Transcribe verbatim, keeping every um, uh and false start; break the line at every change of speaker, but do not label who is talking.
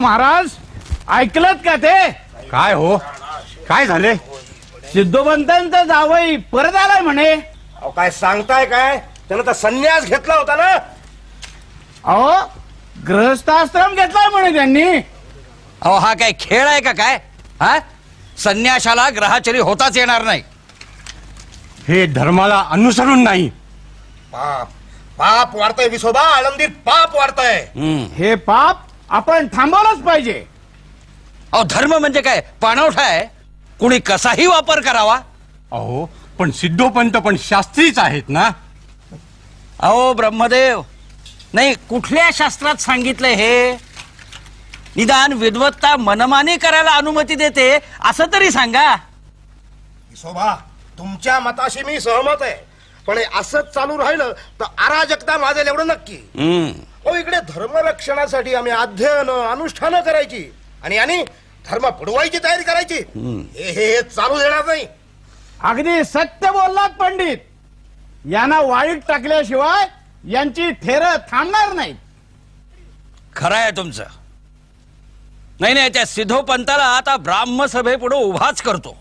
महाराज ऐकलत का ते?
काय हो, काय झाले?
सिद्धोबंतांचा जावई परत आलाय म्हणे.
अहो काय सांगताय काय? त्यानं तर संन्यास घेतला होता ना.
अहो गृहस्थाश्रम घेतलाय म्हणे त्यांनी.
अहो हा काय खेळ आहे का काय? हा संन्याशाला ग्रहाचरी होताच येणार नाही.
हे धर्माला अनुसरून नाही.
पाप पाप वाढतंय विसोबा, आळंदीत पाप वाढतंय.
हम्म.
हे पाप आपण थांबवलंच पाहिजे.
अहो धर्म म्हणजे काय पाणवठा आहे? कुणी कसाही वापर करावा.
अहो पण सिद्धोपंत पण शास्त्रीच आहेत ना.
अहो ब्रह्मदेव, नाही कुठल्या शास्त्रात सांगितलंय हे? निदान विद्वत्ता मनमानी करायला अनुमती देते असं तरी सांगा.
विसोबा तुमच्या मताशी मी सहमत आहे, पण हे असंच चालू राहिलं तर अराजकता माजेल एवढं नक्की.
हम्म.
हो इकडे धर्मरक्षणासाठी आम्ही अध्ययन अनुष्ठानं करायची आणि आणि धर्म बुडवायची तयारी करायची. हे हे हे चालू देणार नाही.
अगदी सत्य बोललात पंडित. यांना वाईट टाकल्याशिवाय यांची थेर थांबणार नाही.
खरं आहे तुमचं. नाही नाही, त्या सिद्धोपंताला आता ब्राह्मसभेपुढे उभाच करतो.